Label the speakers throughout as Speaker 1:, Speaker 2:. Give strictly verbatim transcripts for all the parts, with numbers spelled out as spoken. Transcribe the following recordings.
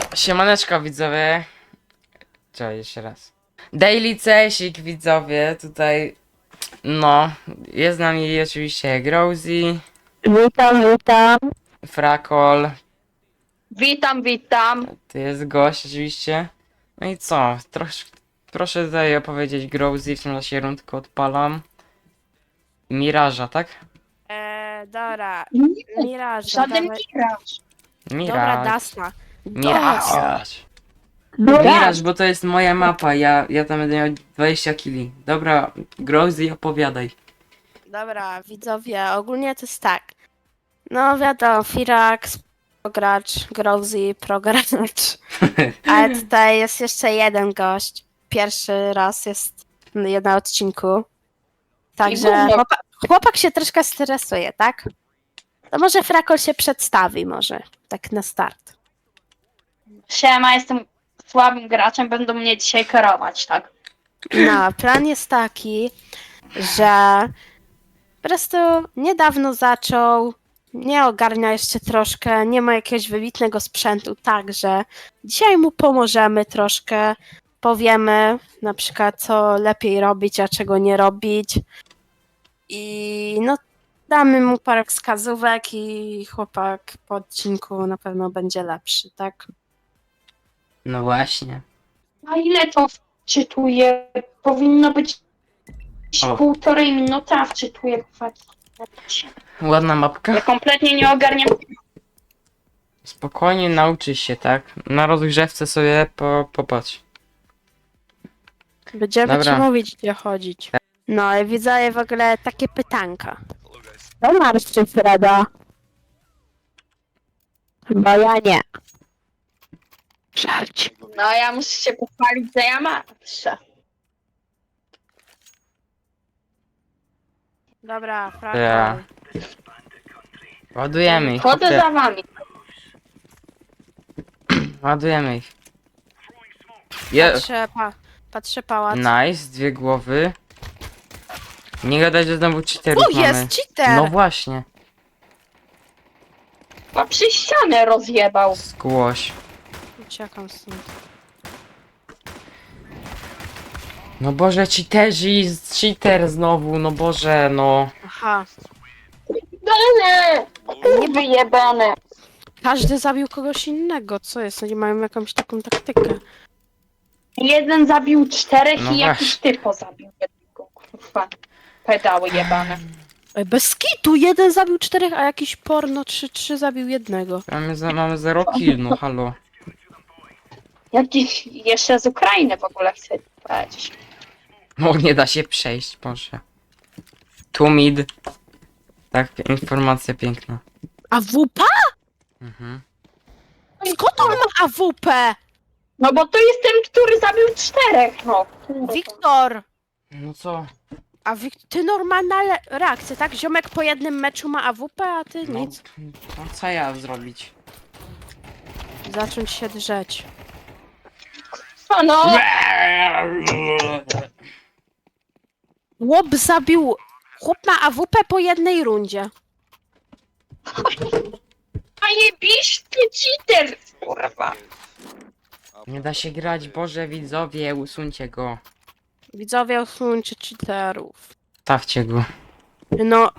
Speaker 1: Siemaneczko widzowie. Cześć, jeszcze raz. Daily Cesik widzowie, tutaj no, jest z nami oczywiście Grozy,
Speaker 2: Witam, witam.
Speaker 1: Frakol,
Speaker 2: Witam, witam.
Speaker 1: to jest gość oczywiście. No i co, trosz, proszę tutaj opowiedzieć Grozy, w tym czasie rundkę odpalam. Miraża, tak?
Speaker 3: Eee, dobra,
Speaker 2: Nie,
Speaker 3: Miraż,
Speaker 2: żaden
Speaker 3: dawaj.
Speaker 2: Miraż.
Speaker 3: Dobra,
Speaker 1: Miraż.
Speaker 3: Dasna.
Speaker 1: Miraż.
Speaker 2: Miraż.
Speaker 1: Miraż, bo to jest moja mapa, ja, ja tam będę miał dwadzieścia kili. Dobra, Grozy, opowiadaj.
Speaker 3: Dobra, widzowie, ogólnie to jest tak. No wiadomo, Firax, progracz, Grozy, progracz. Ale tutaj jest jeszcze jeden gość. Pierwszy raz jest na odcinku. Także
Speaker 2: gówno.
Speaker 3: chłopak, chłopak się troszkę stresuje, tak? To może Frakol się przedstawi może, tak na start.
Speaker 2: Siema, jestem słabym graczem, będą mnie dzisiaj kierować, tak?
Speaker 3: No, plan jest taki, że po prostu niedawno zaczął, nie ogarnia jeszcze troszkę, nie ma jakiegoś wybitnego sprzętu, także dzisiaj mu pomożemy troszkę, powiemy na przykład co lepiej robić, a czego nie robić i no damy mu parę wskazówek i chłopak po odcinku na pewno będzie lepszy, tak?
Speaker 1: No właśnie.
Speaker 2: A ile to wczytuje? Powinno być
Speaker 1: O.
Speaker 2: półtorej minuty, a wczytuje
Speaker 1: Ładna mapka.
Speaker 2: Ja kompletnie nie ogarniam.
Speaker 1: Spokojnie nauczysz się, tak? Na rozgrzewce sobie po, popatrz.
Speaker 3: Będziemy
Speaker 1: Dobra.
Speaker 3: ci mówić, gdzie chodzić. No i widzę w ogóle takie pytanka. To marszczy Freda. Chyba ja nie. Żarć.
Speaker 2: No ja muszę się pochwalić, że ja marszę.
Speaker 3: Dobra, Frakol.
Speaker 1: Ja. Ładujemy ich.
Speaker 2: Chodzę
Speaker 1: chłopie.
Speaker 2: za wami.
Speaker 1: Ładujemy ich. Je
Speaker 3: Patrzę, pa, patrzę pałac.
Speaker 1: nice, dwie głowy. Nie gadać, że znowu cheaterów
Speaker 3: Tu
Speaker 1: mamy.
Speaker 3: jest cheater!
Speaker 1: No właśnie.
Speaker 2: A przy ścianę rozjebał.
Speaker 1: Skłoś.
Speaker 3: Uciekam stąd.
Speaker 1: No Boże, cheaterzy, cheater znowu, no Boże, no.
Speaker 3: Aha.
Speaker 2: Dane! Nie wyjebane.
Speaker 3: Każdy zabił kogoś innego. Co jest? Oni mają jakąś taką taktykę.
Speaker 2: Jeden zabił czterech
Speaker 1: No
Speaker 2: i jakiś
Speaker 1: właśnie.
Speaker 2: typ zabił jednego, kurwa. Pedały jebane.
Speaker 3: Ej, bez kitu! Jeden zabił czterech, a jakiś porno trzy trzy zabił jednego.
Speaker 1: Mamy, za, mamy zero kill, no halo.
Speaker 2: Jak dziś jeszcze z Ukrainy w ogóle chcę powiedzieć.
Speaker 1: No nie da się przejść, Boże. Tu mid. Tak, informacja piękna.
Speaker 3: A W P?
Speaker 1: Mhm.
Speaker 3: Skąd on ma A W P?
Speaker 2: No bo to jest ten, który zabił czterech, no.
Speaker 3: Wiktor!
Speaker 1: No co?
Speaker 3: A Wik ty normalna le- reakcja, tak? Ziomek po jednym meczu ma A W P, a ty
Speaker 1: No,
Speaker 3: nic.
Speaker 1: no co ja zrobić?
Speaker 3: Zacząć się drzeć.
Speaker 2: A no,
Speaker 3: Chłop zabił... Chłop ma A W P po jednej rundzie.
Speaker 2: a jebiszny cheater, kurwa.
Speaker 1: Nie da się grać, Boże widzowie, usuńcie go.
Speaker 3: Widzowie, usuńcie cheaterów.
Speaker 1: Stawcie go.
Speaker 3: No,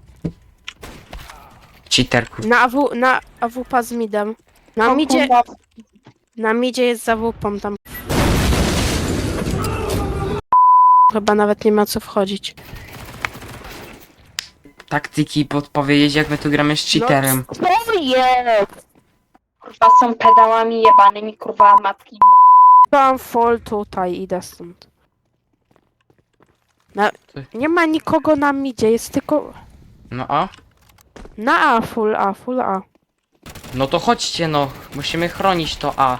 Speaker 1: Cheaterku.
Speaker 3: na, AW, na A W P z midem. Na midzie,
Speaker 2: Kurwa.
Speaker 3: na midzie jest za W P tam. Chyba nawet nie ma co wchodzić.
Speaker 1: Taktyki podpowiedzieć, jak my tu gramy z cheaterem.
Speaker 3: No, co jest?
Speaker 2: Kurwa są pedałami jebanymi, kurwa matki.
Speaker 3: Mam fall tutaj, idę stąd. Na, nie ma nikogo na midzie, jest tylko...
Speaker 1: No a?
Speaker 3: Na A, full A, full A.
Speaker 1: No to chodźcie no, musimy chronić to A.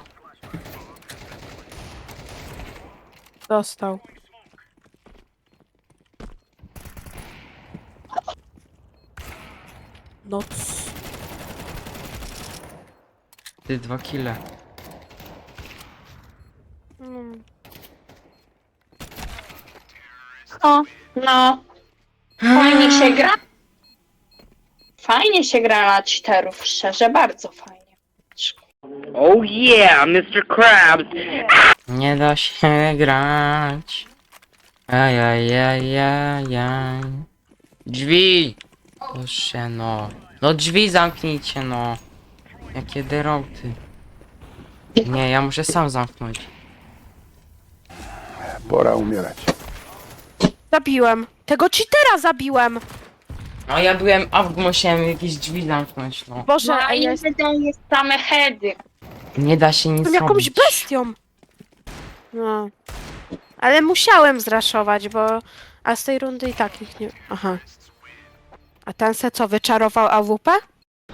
Speaker 3: Dostał. No c-
Speaker 1: Ty dwa kile.
Speaker 3: mm.
Speaker 2: No, no. Fajnie się gra. Fajnie się gra na cheaterów, szczerze, bardzo fajnie.
Speaker 4: Oh yeah, mister Krabs.
Speaker 1: Nie da się grać. Ajajajajaj. Drzwi! Proszę no. No drzwi zamknijcie no. Jakie deroty. Nie, ja muszę sam zamknąć.
Speaker 5: Pora umierać.
Speaker 3: Zabiłem. Tego cheatera zabiłem.
Speaker 1: No ja byłem, a musiałem jakieś drzwi zamknąć, no.
Speaker 3: Boże,
Speaker 2: No,
Speaker 3: a
Speaker 2: a
Speaker 3: ja jestem
Speaker 2: jeden jest same heady.
Speaker 1: Nie da się nic
Speaker 3: jakąś
Speaker 1: robić.
Speaker 3: bestią. No. Ale musiałem zraszować, bo... A z tej rundy i tak ich nie... Aha. A ten se co, wyczarował A W P?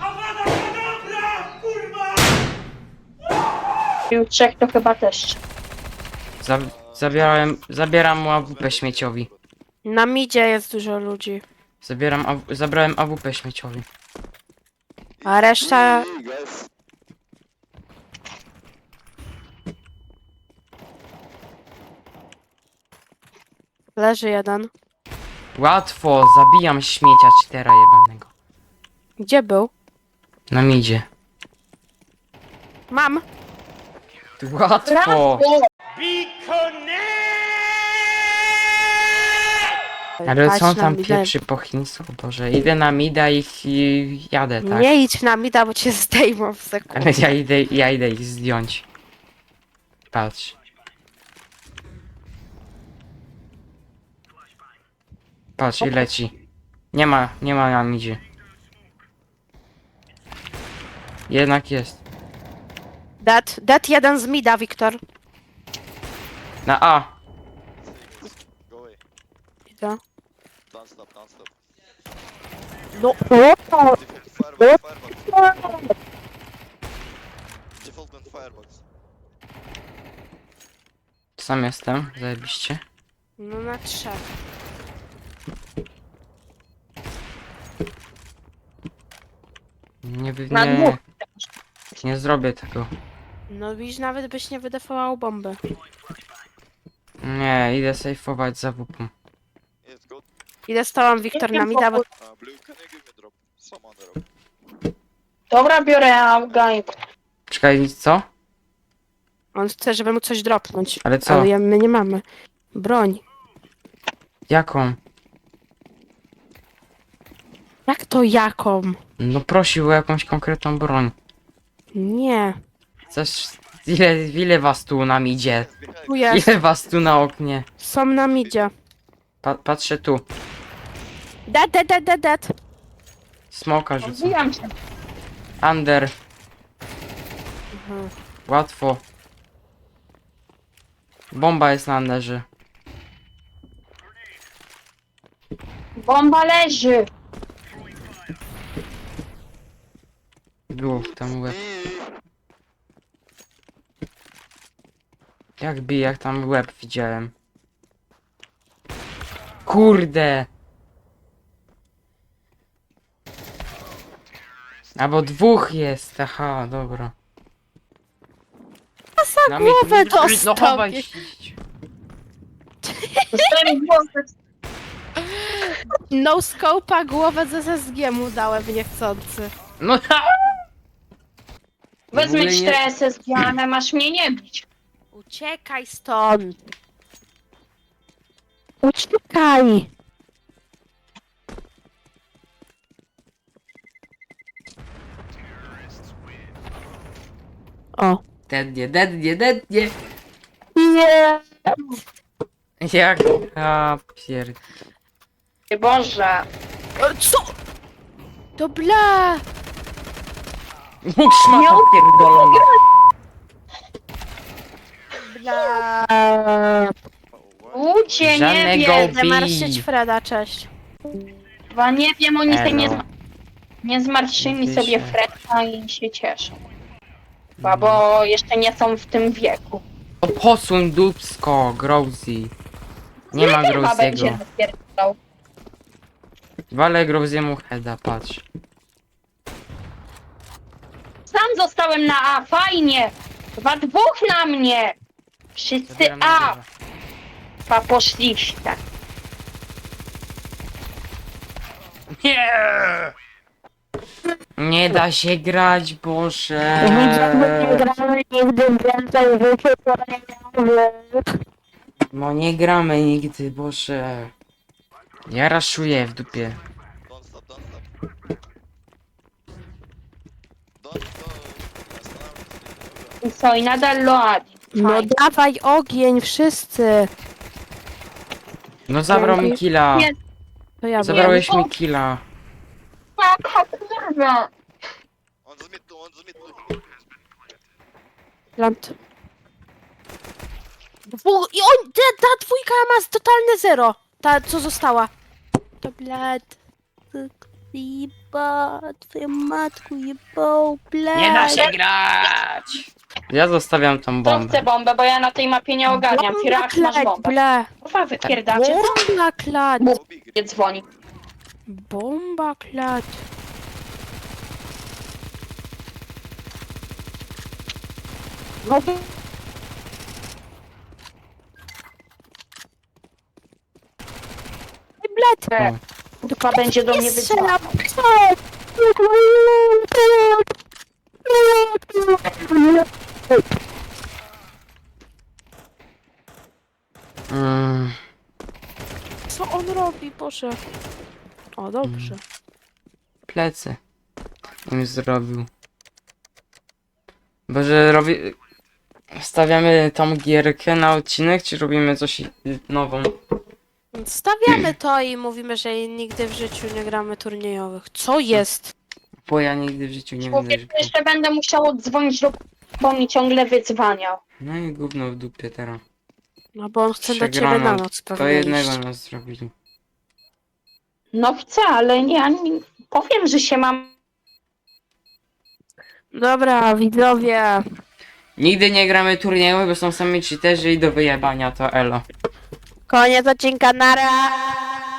Speaker 2: I u trzech to chyba też.
Speaker 1: Za zabierałem, zabieram mu A W P śmieciowi.
Speaker 3: Na midzie jest dużo ludzi.
Speaker 1: Zabieram, A W zabrałem A W P śmieciowi.
Speaker 3: A reszta... Leży jeden.
Speaker 1: Łatwo, zabijam śmiecia cztera jebanego.
Speaker 3: Gdzie był?
Speaker 1: Na midzie.
Speaker 3: Mam.
Speaker 1: Łatwo!
Speaker 2: Brawo!
Speaker 1: Ale
Speaker 3: Patrz
Speaker 1: co on
Speaker 3: na
Speaker 1: tam
Speaker 3: midę.
Speaker 1: pieprzy po chińsku? Boże, idę na mida i, i jadę, tak?
Speaker 3: Nie idź na mida, bo cię zdejmą w sekundę.
Speaker 1: Ale ja idę, ja idę ich zdjąć. Patrz. Patrz i leci. Nie ma, nie ma na midzie. Jednak jest.
Speaker 3: Dead, dead jeden z mida, Wiktor.
Speaker 1: Na A.
Speaker 6: Go away.
Speaker 3: Idę.
Speaker 6: Don't stop, don't stop.
Speaker 3: No.
Speaker 6: Default firebox, firebox. Default and firebox.
Speaker 1: Sam jestem, zajebiście.
Speaker 3: No na trzech.
Speaker 1: Nie, wy-
Speaker 2: Na
Speaker 1: nie,
Speaker 2: dwóch.
Speaker 1: nie zrobię tego.
Speaker 3: No widzisz, nawet byś nie wydefował bomby.
Speaker 1: Nie, idę sejfować za wupą.
Speaker 6: Yes, go.
Speaker 3: Idę z tobą, Wiktor, na mida, bo
Speaker 6: Uh, blue, can you give me drop? Someone drop.
Speaker 2: Dobra, biorę Afgań.
Speaker 1: Czekaj, co?
Speaker 3: on chce, żeby mu coś dropnąć.
Speaker 1: Ale co?
Speaker 3: Ale ja, my nie mamy. Broń.
Speaker 1: Jaką?
Speaker 3: Jak to jaką?
Speaker 1: No prosił o jakąś konkretną broń.
Speaker 3: Nie.
Speaker 1: Coś... Ile, ile was tu nam idzie?
Speaker 3: Tu jest.
Speaker 1: Ile was tu na oknie?
Speaker 3: Są na midzie.
Speaker 1: Pa patrzę tu.
Speaker 3: Dead, dead, dead, dead, dead.
Speaker 1: Smoka rzucę.
Speaker 2: Odbijam się.
Speaker 1: Under.
Speaker 3: Mhm.
Speaker 1: Łatwo. Bomba jest na underze.
Speaker 2: Bomba leży.
Speaker 1: Było tam łeb. Jak bij, jak tam łeb widziałem. Kurde! Albo dwóch jest, aha, dobra.
Speaker 3: Za głowę
Speaker 1: No chowaj
Speaker 3: dostał.
Speaker 1: się.
Speaker 2: Dostałem głowę.
Speaker 3: No scope'a głowę z S S G mu dałem niechcący.
Speaker 1: No
Speaker 2: Wezmę
Speaker 1: W ogóle nie-
Speaker 2: cztery S S G, ale masz mnie nie bić.
Speaker 3: Uciekaj stąd. Uciekaj. O.
Speaker 1: Dednie, dednie, dednie.
Speaker 3: Nie.
Speaker 1: Jak? A pier...
Speaker 2: Boże.
Speaker 3: Co? To bla.
Speaker 1: Mógł szmata pierdolona.
Speaker 3: Bla.
Speaker 6: Oh, what?
Speaker 2: Ludzie, nie
Speaker 1: Żadnego
Speaker 2: wiem.
Speaker 1: bi-
Speaker 3: Zamarszyć Freda, cześć.
Speaker 2: Chyba nie wiem, oni sobie nie,
Speaker 1: Elo.
Speaker 2: zma- nie zmarszyli
Speaker 1: Wiecie.
Speaker 2: sobie Freda i się cieszą. Chyba, bo jeszcze nie są w tym wieku.
Speaker 1: O, posuń dupsko, Growzy. Nie ma
Speaker 2: Chyba będzie
Speaker 1: Growziego.
Speaker 2: napierdalał.
Speaker 1: Walę Growziemu heada, patrz.
Speaker 2: Sam zostałem na A, fajnie! Chyba dwóch na mnie! Wszyscy
Speaker 1: Zabieram
Speaker 2: A,
Speaker 1: na górze.
Speaker 2: chyba poszliście.
Speaker 1: Nie! Nie da się grać, Boże.
Speaker 3: gramy nigdy więcej rzeczy kolejowych.
Speaker 1: No nie gramy nigdy, Boże. Ja raszuję w dupie.
Speaker 6: Don't stop, don't stop. Don't go. Останавливайся.
Speaker 2: I co, i nadal Loadi.
Speaker 3: No
Speaker 2: Fajnie.
Speaker 3: dawaj ogień, wszyscy.
Speaker 1: No zabrał mi killa.
Speaker 2: Nie.
Speaker 3: To ja
Speaker 1: Zabrałeś
Speaker 2: Nie,
Speaker 1: mi killa.
Speaker 2: Jaka kurwa.
Speaker 6: Он за мету, он за мету.
Speaker 3: Plant. Dwu... I on, ta, ta dwójka ma z totalne zero. Ta, co została. To blad. Jeba, twoją matku jebał, blad.
Speaker 1: Nie da się grać. Ja zostawiam tą
Speaker 2: Kto
Speaker 1: bombę.
Speaker 2: chce bombę, bo ja na tej mapie nie ogarniam.
Speaker 3: Bomba
Speaker 2: Firak, masz
Speaker 3: klać,
Speaker 2: bombę.
Speaker 3: ble.
Speaker 2: Kurwa, wypierdacie.
Speaker 3: Bomba klać.
Speaker 6: Убей,
Speaker 2: Nie dzwoni.
Speaker 3: Bomba klać. No to... Blad.
Speaker 2: E, Dupa będzie do mnie
Speaker 3: Nie
Speaker 2: wyzwała.
Speaker 3: strzela.
Speaker 1: Mm,
Speaker 3: Co on robi, Boże? O, dobrze.
Speaker 1: plecy. On zrobił. Boże, robi... Stawiamy tą gierkę na odcinek, czy robimy coś i- nową?
Speaker 3: Stawiamy to i mówimy, że nigdy w życiu nie gramy turniejowych. Co jest?
Speaker 1: Bo ja nigdy w życiu nie będę
Speaker 2: Człowiek,
Speaker 1: grał.
Speaker 2: jeszcze będę musiał dzwonić do... bo mi ciągle wyzwaniał.
Speaker 1: No i gówno w dupie teraz.
Speaker 3: No bo on chce do ciebie
Speaker 1: Przegrana.
Speaker 3: na noc
Speaker 1: To
Speaker 3: pewnie
Speaker 1: jednego
Speaker 3: iść.
Speaker 1: nas zrobili.
Speaker 2: No chcę, ale nie, ja nie powiem, że się mam...
Speaker 3: Dobra, widzowie.
Speaker 1: Nigdy nie gramy turnieju, bo są sami cheaterzy i do wyjebania to elo.
Speaker 3: Koniec odcinka, nara!